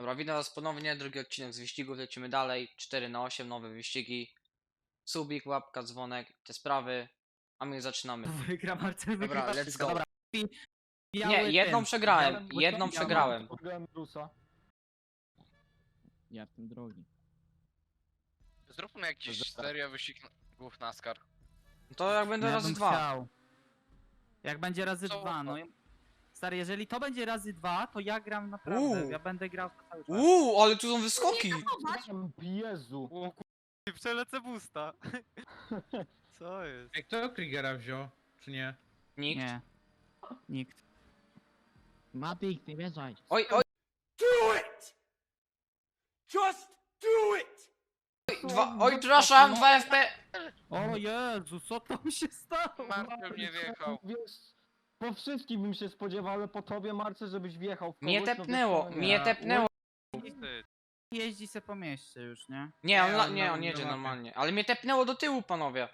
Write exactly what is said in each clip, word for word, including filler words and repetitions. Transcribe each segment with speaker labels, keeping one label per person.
Speaker 1: Dobra, witam was ponownie, drugi odcinek z wyścigów, lecimy dalej, cztery na osiem, nowe wyścigi. Subik, łapka, dzwonek, te sprawy, a my zaczynamy.
Speaker 2: Wygra Marcel,
Speaker 1: Dobra,
Speaker 2: wygrywa
Speaker 1: let's
Speaker 2: wszystko.
Speaker 1: go.
Speaker 2: Dobra.
Speaker 1: Nie,
Speaker 2: Biały
Speaker 1: jedną
Speaker 2: ten.
Speaker 1: przegrałem,
Speaker 2: Biały-
Speaker 1: jedną
Speaker 2: biały-
Speaker 1: przegrałem.
Speaker 3: Podgrałem Brusa.
Speaker 2: Ja w tym drogi.
Speaker 4: Zróbmy jakiś serio wyścigów NASCAR.
Speaker 1: To jak będę
Speaker 2: Ja
Speaker 1: razy
Speaker 2: bym
Speaker 1: dwa.
Speaker 2: chciał. Jak będzie razy
Speaker 4: Co?
Speaker 2: dwa, no. Stary, jeżeli to będzie razy dwa, to ja gram naprawdę.
Speaker 1: Uuu.
Speaker 2: Ja będę grał to cały czas.
Speaker 1: Uuu, ale tu są wyskoki.
Speaker 3: Jezu.
Speaker 5: O kur... przelecę busta. Co jest?
Speaker 6: Ej, kto Kriegera wziął, czy nie?
Speaker 1: Nikt.
Speaker 2: Nie. Nikt.
Speaker 7: Matik, nie wierzaj.
Speaker 1: Oj, oj.
Speaker 8: Do it! Just do it!
Speaker 1: Dwa, oj, przepraszam, dwa F P.
Speaker 2: O Jezu, co tam się stało?
Speaker 4: Marcel nie wjechał.
Speaker 3: Wiesz, po wszystkim bym się spodziewał, ale po tobie, Marce, żebyś wjechał w kogoś,
Speaker 1: Mnie
Speaker 3: no
Speaker 1: tepnęło,
Speaker 3: wiesz, no
Speaker 1: mnie
Speaker 3: nie.
Speaker 1: tepnęło.
Speaker 5: Wstyd.
Speaker 2: Jeździ se po mieście już, nie?
Speaker 1: Nie, on,
Speaker 6: Nie,
Speaker 1: la-
Speaker 6: on
Speaker 1: nie,
Speaker 6: na-
Speaker 1: on
Speaker 6: na
Speaker 1: jedzie
Speaker 6: mapie.
Speaker 1: normalnie, ale mnie tepnęło do tyłu, panowie.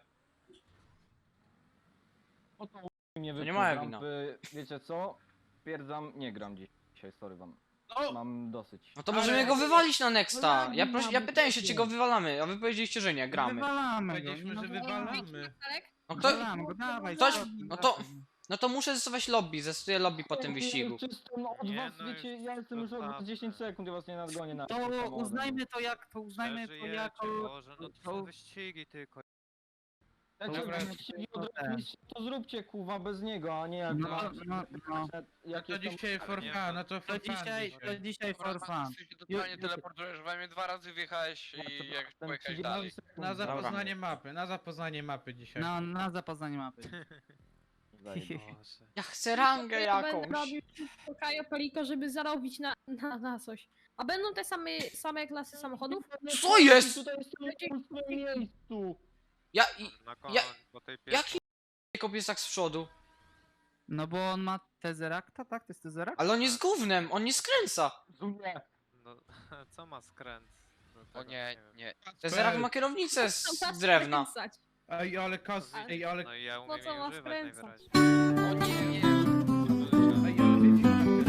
Speaker 3: O to nie
Speaker 1: To nie
Speaker 3: wypnął
Speaker 1: moja
Speaker 3: z
Speaker 1: wina.
Speaker 3: rampy. Wiecie co? Twierdzam, nie gram dzisiaj, sorry wam.
Speaker 4: No.
Speaker 3: Mam dosyć.
Speaker 1: No to
Speaker 6: Ale-
Speaker 1: możemy go wywalić na Nexta.
Speaker 3: No
Speaker 1: Ja,
Speaker 3: ja
Speaker 1: prosi,
Speaker 3: nie
Speaker 1: ja
Speaker 3: mam
Speaker 1: pytałem się, czy go
Speaker 3: takiego.
Speaker 1: wywalamy, a wy powiedzieliście, że nie, gramy.
Speaker 2: Wywalamy go.
Speaker 6: Powiedzieliśmy,
Speaker 2: no
Speaker 6: że
Speaker 2: to-
Speaker 6: wywalamy.
Speaker 1: No to,
Speaker 2: Wywalamy go, dawaj.
Speaker 1: Ktoś-
Speaker 2: cofnij,
Speaker 1: no to-
Speaker 2: cofnij.
Speaker 1: no to muszę zestować lobby, zestuję lobby po tym
Speaker 3: Ja
Speaker 1: wyścigu.
Speaker 3: już Czysto, no, od
Speaker 5: Nie,
Speaker 3: was,
Speaker 5: no
Speaker 3: wiecie,
Speaker 5: jest
Speaker 3: ja jestem już od was
Speaker 5: zostawmy.
Speaker 3: dziesięć sekund, ja was nie nadgonię na
Speaker 2: To
Speaker 3: samochodem.
Speaker 2: uznajmy to jak, to uznajmy to
Speaker 5: Przeżyjecie,
Speaker 2: jako...
Speaker 5: Boże, no to
Speaker 2: to-
Speaker 5: są wyścigi tylko.
Speaker 3: Znaczy,
Speaker 6: Dobra.
Speaker 3: jeśli odrobić, to zróbcie kuwa bez niego, a nie jak
Speaker 2: No,
Speaker 3: macie-
Speaker 2: no, no.
Speaker 3: jak
Speaker 6: To
Speaker 3: jestem-
Speaker 6: dzisiaj for
Speaker 5: nie,
Speaker 6: fun, no to
Speaker 2: To
Speaker 6: for fun
Speaker 2: dzisiaj, to
Speaker 6: dzisiaj.
Speaker 2: dzisiaj for fun.
Speaker 4: Ty się totalnie
Speaker 2: Ju-
Speaker 4: teleportujesz, we mnie dwa razy wjechałeś
Speaker 3: Ja
Speaker 4: i
Speaker 3: to
Speaker 4: jak
Speaker 3: ten
Speaker 4: pojechałeś
Speaker 3: trzydzieści
Speaker 4: dalej.
Speaker 3: sekund.
Speaker 6: Na
Speaker 3: Dobra.
Speaker 6: zapoznanie mapy, na zapoznanie mapy dzisiaj.
Speaker 2: Na, na zapoznanie mapy.
Speaker 3: Zajebiście.
Speaker 5: Boże.
Speaker 1: Ja chcę rangę
Speaker 9: Ja będę
Speaker 1: jakąś.
Speaker 9: robił wszystko Kajo Peliko, żeby zarobić na, na, na coś. A będą te same, same klasy samochodów?
Speaker 1: Co jest?
Speaker 3: Tutaj jestem w swoim miejscu.
Speaker 1: Ja, i,
Speaker 5: Na koniec,
Speaker 1: Ja-
Speaker 5: po tej pierwszej.
Speaker 1: jaki kop jest tak z przodu?
Speaker 2: No bo on ma Tezerakta, tak? To jest Tezerak?
Speaker 1: Ale on jest gównem, on nie skręca.
Speaker 3: Zunie.
Speaker 5: No, co ma skręt? No,
Speaker 4: O
Speaker 5: tego
Speaker 4: nie,
Speaker 5: wiem.
Speaker 4: nie.
Speaker 1: Tezerak ma kierownicę z, z drewna.
Speaker 9: Skręcać.
Speaker 6: Ej, ale kas...
Speaker 9: A-
Speaker 6: Ej, ale...
Speaker 5: No i ja
Speaker 9: Po
Speaker 5: umiem
Speaker 9: co
Speaker 5: jej
Speaker 9: ma
Speaker 5: używać
Speaker 9: skręcać?
Speaker 5: najwyraźniej.
Speaker 4: O nie, nie.
Speaker 6: Ej, ale wiecie,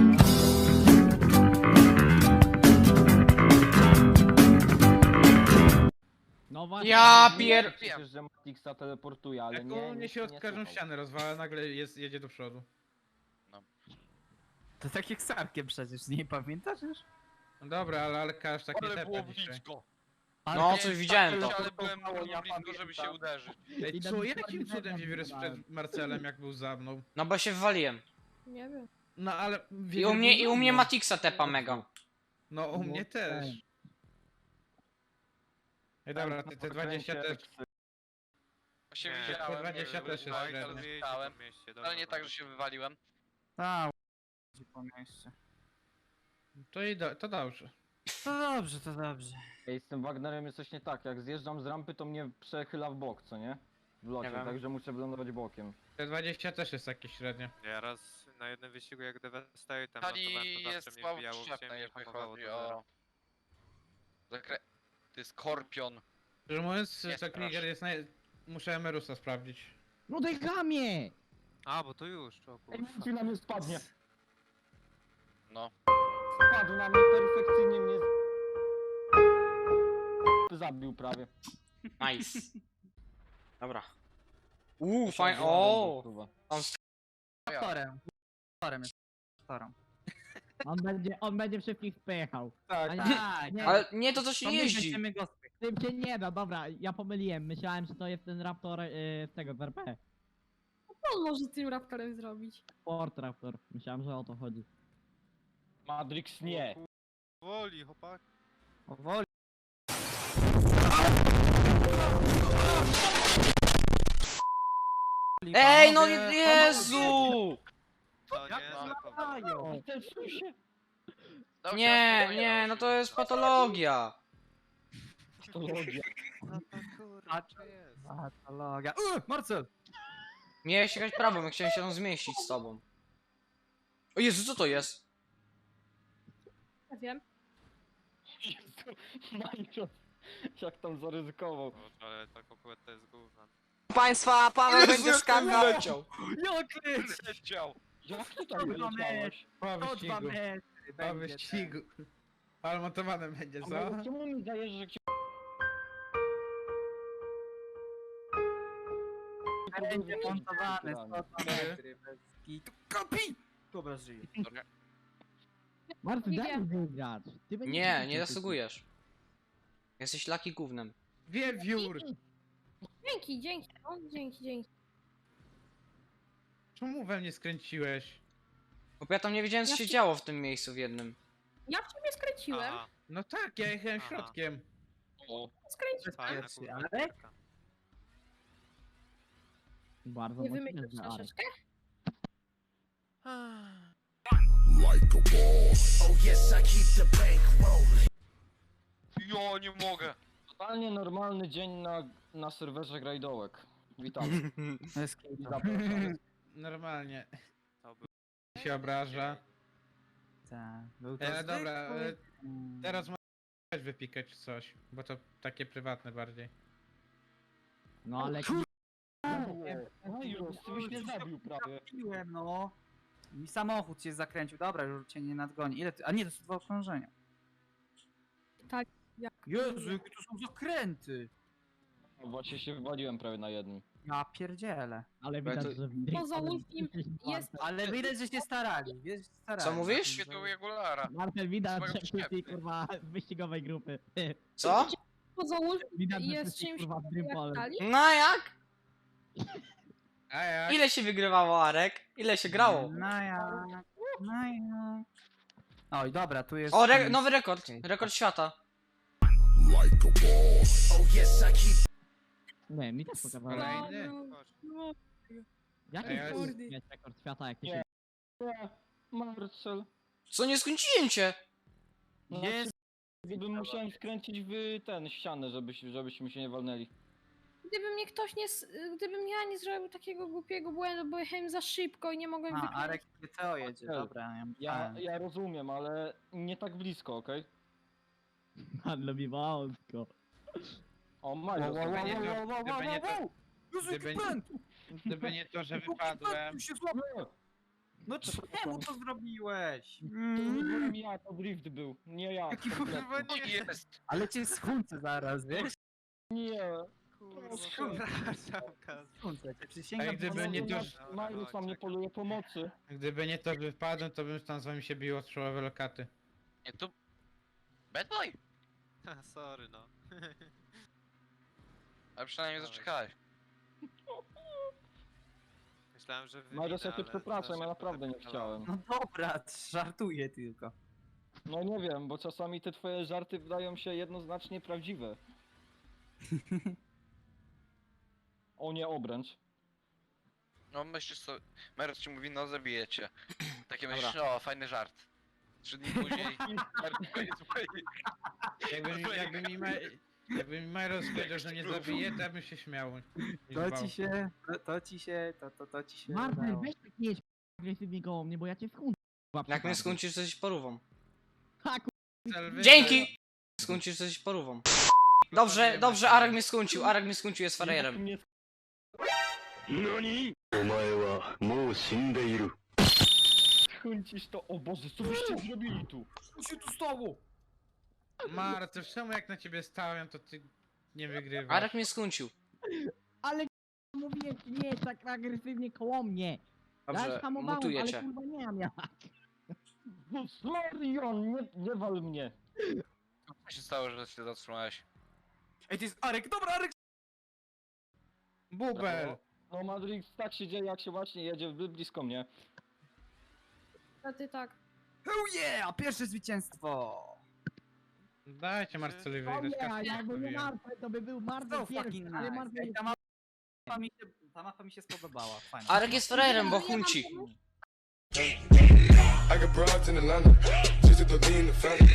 Speaker 7: No właśnie.
Speaker 1: Ja
Speaker 3: Nie,
Speaker 1: pier...
Speaker 3: Przecież, że Matixa teleportuje, ale
Speaker 6: jak
Speaker 3: nie,
Speaker 6: on
Speaker 3: nie,
Speaker 6: mnie się od
Speaker 3: nie
Speaker 6: każdą
Speaker 3: słuchał.
Speaker 6: ścianę rozwala, nagle jest, jedzie do przodu.
Speaker 2: To tak jak z Arkiem przecież, nie pamiętasz już?
Speaker 6: No dobra, ale, ale każ tak nie
Speaker 4: Ale było
Speaker 6: tepa dzisiaj.
Speaker 4: blisko.
Speaker 1: No, coś widziałem to.
Speaker 4: Ale byłem
Speaker 3: Ja
Speaker 4: bardzo blisko, żeby
Speaker 3: pamiętam.
Speaker 4: się uderzyć.
Speaker 6: Ej,
Speaker 7: Idę
Speaker 6: co,
Speaker 7: do
Speaker 6: jakim
Speaker 7: Fortnite'a
Speaker 6: cudem Wiewiór jest
Speaker 7: wybrałem.
Speaker 6: przed Marcelem, jak był za mną?
Speaker 1: No bo się wywaliłem.
Speaker 9: Nie wiem.
Speaker 6: No ale...
Speaker 1: I
Speaker 6: Wiewiór
Speaker 1: u mnie,
Speaker 6: był
Speaker 1: i
Speaker 6: za
Speaker 1: u mnie
Speaker 6: mną.
Speaker 1: Matixa tepa mega.
Speaker 6: No, u mnie też. Ej, dobra, te, te dwadzieścia też...
Speaker 4: Właśnie
Speaker 5: Nie,
Speaker 4: widziałem,
Speaker 6: te dwadzieścia
Speaker 4: że
Speaker 6: też jest
Speaker 4: wywaliłeś,
Speaker 6: średnio.
Speaker 4: ale
Speaker 5: Rozwijaj się
Speaker 4: zostałem.
Speaker 5: po mieście,
Speaker 4: Ale
Speaker 5: dobra,
Speaker 4: nie tak,
Speaker 5: dobra.
Speaker 4: że się wywaliłem.
Speaker 2: Tak, po mieście.
Speaker 6: To i do, to dobrze.
Speaker 2: To dobrze, to dobrze.
Speaker 3: Ej, z tym Wagnerem jest coś nie tak, jak zjeżdżam z rampy, to mnie przechyla w bok, co nie? W locie,
Speaker 1: Nie wiem.
Speaker 3: także muszę wylądować bokiem.
Speaker 6: Te dwadzieścia też jest jakieś średnie.
Speaker 5: Ja raz na jednym wyścigu jak Devastator tam
Speaker 4: Tali
Speaker 5: notowałem, to zawsze
Speaker 4: jest
Speaker 5: mnie
Speaker 4: słabo
Speaker 5: wbijało w
Speaker 4: przyczepna,
Speaker 5: ziemię i
Speaker 4: jeżeli
Speaker 5: hamowało
Speaker 4: chodzi
Speaker 5: do zera.
Speaker 4: o... Zakre... To jest Skorpion.
Speaker 6: Szczerze mówiąc,
Speaker 4: Nie
Speaker 6: to
Speaker 4: strasz.
Speaker 6: Krieger jest naj... Muszę Emerusa sprawdzić.
Speaker 7: No daj gamie!
Speaker 5: A, bo to już, o
Speaker 3: Ej,
Speaker 5: kurwa.
Speaker 3: ci na mnie spadnie.
Speaker 4: No.
Speaker 3: Spadł na mnie perfekcyjnie, mnie... z- Zabił prawie.
Speaker 1: Nice. Dobra. Uuu, fajnie. O,
Speaker 3: Kurwa.
Speaker 2: Torem. Torem jest. Torem.
Speaker 7: On będzie, on będzie wszystkich wpychał.
Speaker 6: Tak,
Speaker 7: A nie,
Speaker 2: Tak,
Speaker 7: nie,
Speaker 1: ale nie, to co się
Speaker 2: to my
Speaker 1: jeździ.
Speaker 2: będziemy go spychać.
Speaker 7: tym się nie da, dobra, ja pomyliłem. Myślałem, że to jest ten Raptor y, z tego, z R P.
Speaker 9: Co on może z tym raptorem zrobić?
Speaker 7: Ford Raptor. Myślałem, że o to chodzi.
Speaker 3: Matrix nie.
Speaker 5: Woli, chłopak.
Speaker 2: Powoli.
Speaker 1: Ej, no
Speaker 2: Panowie,
Speaker 1: Jezu!
Speaker 5: To nie,
Speaker 2: Jak
Speaker 5: to
Speaker 2: latają?
Speaker 4: Dał się
Speaker 1: Nie,
Speaker 4: odpowiedź,
Speaker 1: nie,
Speaker 4: dał
Speaker 1: no
Speaker 4: się.
Speaker 1: to jest patologia.
Speaker 3: Patologia.
Speaker 5: No to kurwa, to jest.
Speaker 2: Patologia. Uh, Marcel!
Speaker 1: Miałeś jechać prawo, my chciałem się tam zmieścić z tobą. O Jezu, co to jest?
Speaker 9: Nie wiem.
Speaker 3: Jezu, Minecraft. Jak tam zaryzykował.
Speaker 5: Boże, ale ta kokueta to jest gówno.
Speaker 1: Państwa, Paweł będzie skakał. Leciał.
Speaker 2: Jak
Speaker 4: Leciał.
Speaker 3: Jak ty tam
Speaker 2: Kurwa,
Speaker 3: wyleciałeś?
Speaker 6: Po
Speaker 2: To dwa
Speaker 6: wyścigu.
Speaker 2: metry
Speaker 6: Po
Speaker 2: będzie.
Speaker 6: wyścigu. Ale montowane będzie,
Speaker 3: A
Speaker 6: co?
Speaker 3: Majros, czemu mi dajesz, że cię...
Speaker 2: Będzie montowany,
Speaker 3: Dobra.
Speaker 2: sto metry bez kitu. Kopi! Dobra, żyje.
Speaker 4: Sorry.
Speaker 7: Marcin,
Speaker 9: Nie
Speaker 7: daj
Speaker 9: wiem.
Speaker 7: mi wygrać. Ty będziesz
Speaker 1: Nie,
Speaker 7: grał,
Speaker 1: nie
Speaker 7: ty-
Speaker 1: zasługujesz. Jesteś laki gównem.
Speaker 6: Wiewiór!
Speaker 9: Dzięki, dzięki, no, dzięki, dzięki.
Speaker 6: Czemu we mnie skręciłeś?
Speaker 1: Bo ja tam nie wiedziałem co
Speaker 9: Ja
Speaker 1: się
Speaker 9: się-
Speaker 1: działo w tym miejscu w jednym.
Speaker 9: Ja w ciebie skręciłem.
Speaker 5: Aha,
Speaker 6: No tak, ja jechałem
Speaker 5: Aha.
Speaker 6: środkiem.
Speaker 4: O,
Speaker 9: Skręciłem.
Speaker 5: fajna
Speaker 2: Pierwszy,
Speaker 5: kurwa.
Speaker 2: ale-
Speaker 5: gierka.
Speaker 7: Bardzo
Speaker 9: Nie
Speaker 7: mocno
Speaker 9: wymyślisz
Speaker 7: jest, Arek.
Speaker 9: troszeczkę?
Speaker 8: Oh yes, I keep the bank rolling.
Speaker 4: ja nie mogę.
Speaker 3: Totalnie normalny dzień na, na serwerze grajdołek. Witamy.
Speaker 2: Bez kitu.
Speaker 3: I zapraszam.
Speaker 6: Normalnie.
Speaker 5: To był...
Speaker 6: Się obraża.
Speaker 2: Tak, był to
Speaker 6: E, dobra, e,
Speaker 2: zwykły- Mm.
Speaker 6: teraz możesz wypikać coś, bo to takie prywatne bardziej.
Speaker 7: No ale...
Speaker 3: Majros, ty byś mnie zabił prawie.
Speaker 2: Trafiłem, no. Mi samochód cię zakręcił. Dobra, już cię nie nadgoni. Ile ty... A nie, to są dwa okrążenia.
Speaker 9: Tak, jak-
Speaker 2: Jezu, jakie to są zakręty.
Speaker 3: No Właśnie się wywaliłem prawie na jednym.
Speaker 2: Ja pierdzielę.
Speaker 7: Ale
Speaker 1: Bo ja
Speaker 7: widać,
Speaker 1: to-
Speaker 7: że...
Speaker 9: Poza Wolfim jest...
Speaker 2: Ale widać, że się starali. Wiesz, starali.
Speaker 1: Co mówisz?
Speaker 4: Świetł Jaguara.
Speaker 7: Marcel, widać,
Speaker 4: Swoją
Speaker 7: że jesteś
Speaker 4: szepty.
Speaker 7: kurwa z wyścigowej grupy.
Speaker 1: Co?
Speaker 9: Poza Wolfim
Speaker 7: Widać, że
Speaker 9: jest
Speaker 7: jesteś
Speaker 9: czymś
Speaker 7: kurwa z
Speaker 9: jak
Speaker 7: Dreampolem.
Speaker 9: Kali.
Speaker 1: No jak?
Speaker 6: A jak?
Speaker 1: Ile się wygrywało, Arek? Ile się grało?
Speaker 2: No ja. No ja. Oj, dobra, tu jest...
Speaker 1: O, re nowy rekord. Rekord świata.
Speaker 8: Oh yes, I keep.
Speaker 7: Nie, mi też pokazało.
Speaker 6: Kolejny?
Speaker 9: No, no,
Speaker 7: Jaki
Speaker 6: Ej, ale-
Speaker 7: kurde jest rekord świata, jak ty
Speaker 3: Nie.
Speaker 7: się...
Speaker 3: Nie, Marcel.
Speaker 1: Co, nie skończyłem cię?
Speaker 3: No
Speaker 2: Jest.
Speaker 3: Bym musiałem skręcić w ten ścianę, żebyś, żebyśmy się nie walnęli.
Speaker 9: Gdyby mnie ktoś nie... s- Gdybym ja nie zrobił takiego głupiego błędu, bo jechałem za szybko i nie mogłem
Speaker 2: A,
Speaker 9: wykręcić.
Speaker 2: Arek G T O jedzie, dobra. Ja,
Speaker 3: Ja,
Speaker 2: myślałem.
Speaker 3: ja rozumiem, ale nie tak blisko, okej?
Speaker 7: Pan lubi wąsko.
Speaker 3: O, Majros.
Speaker 6: Wow, wow, wow, wow, wow, Gdyby nie to-
Speaker 2: Jezu,
Speaker 6: gdyby
Speaker 2: jaki
Speaker 6: nie-
Speaker 2: pęd!
Speaker 6: Gdyby nie to, że
Speaker 2: Jaki
Speaker 6: wypadłem.
Speaker 2: pęd się złapał! No czemu to zrobiłeś?
Speaker 3: To nie byłem ja, to drift był, nie ja.
Speaker 2: Jaki
Speaker 3: kompletnie.
Speaker 2: kurwa
Speaker 4: No
Speaker 2: nie...
Speaker 4: jest.
Speaker 2: Ale cię schuncę zaraz, wiesz?
Speaker 3: Nie.
Speaker 5: Kurwa,
Speaker 3: Kurwa.
Speaker 5: przepraszam, Kaz.
Speaker 2: Schuncę cię, przysięgam.
Speaker 6: Ej, gdyby
Speaker 2: że-
Speaker 6: nie to,
Speaker 3: Majros na mnie poluje pomocy.
Speaker 6: Gdyby nie to, że wypadłem, to bym tam z wami się bił o strzałowe lokaty.
Speaker 4: Nie, to... Bad boy.
Speaker 5: Sorry, no.
Speaker 4: Ale przynajmniej zaczekałeś.
Speaker 5: Myślałem, że wy
Speaker 3: Majros, ja cię
Speaker 5: ale
Speaker 3: przepraszam,
Speaker 5: za
Speaker 3: ja
Speaker 5: szybko
Speaker 3: naprawdę nie
Speaker 5: wypikowałem.
Speaker 3: chciałem.
Speaker 2: No dobra, żartuję tylko.
Speaker 3: No nie wiem, bo czasami te twoje żarty wydają się jednoznacznie prawdziwe. O nie, obręcz.
Speaker 4: No myślisz sobie... Meros ci mówi, no zabijecie. Takie
Speaker 1: Dobra.
Speaker 4: myślisz, o fajny żart. Trzy dni później... Meros koniec mojej-
Speaker 6: Jakby mi, jakby mi, Ma, jakby mi Majros powiedział, że nie zabije, to ja bym się śmiał. i
Speaker 2: To
Speaker 6: zwał.
Speaker 2: ci się, to, to ci się, to, to, to ci się
Speaker 7: Marcel,
Speaker 2: udało.
Speaker 7: weź tak nie jedź agresywnie koło mnie, bo ja cię skąd...
Speaker 1: Jak mnie skończysz, to jesteś porówą.
Speaker 7: Ha,
Speaker 6: Cel wygrał.
Speaker 1: Dzięki! Skończysz, to jesteś porówą. Dobrze, dobrze, Arek mnie skończył. Arek mnie skończył, jest frajerem.
Speaker 3: Nie, Chuncisz to, o Boże, co byście zrobili tu?
Speaker 2: Co się tu stało?
Speaker 6: Marce, czemu jak na ciebie stałem, to ty nie wygrywasz?
Speaker 1: Arek mnie skończył.
Speaker 7: ale mówiłem ci, nie jedź tak agresywnie koło mnie. Ja
Speaker 1: Dobrze,
Speaker 7: już hamowałem,
Speaker 1: mutuję
Speaker 7: ale
Speaker 1: cię.
Speaker 7: kurwa nie mam jak.
Speaker 3: Marion, nie, nie wal mnie.
Speaker 4: Co się stało, że się zatrzymałeś?
Speaker 2: Ej, to jest Arek, dobra Arek!
Speaker 6: Bubel!
Speaker 3: No Madrix, tak się dzieje, jak się właśnie jedzie bli- blisko mnie.
Speaker 9: A ty tak.
Speaker 2: Oh yeah, pierwsze zwycięstwo!
Speaker 6: Dajcie Marcelowi
Speaker 7: O
Speaker 6: wygrać,
Speaker 7: nie,
Speaker 6: kasę
Speaker 7: jakby nie
Speaker 6: mówiłem.
Speaker 7: Marcel, to by był Marcel
Speaker 2: So
Speaker 7: pierwszy,
Speaker 2: fucking
Speaker 7: ale
Speaker 2: nice.
Speaker 7: Marcel
Speaker 2: Ej,
Speaker 7: jest...
Speaker 2: ta, mapa mi się, ta mapa mi się spodobała, fajna.
Speaker 1: Arek jest frajerem, bo chunci.
Speaker 8: I got broads in Atlanta, just to lean the family.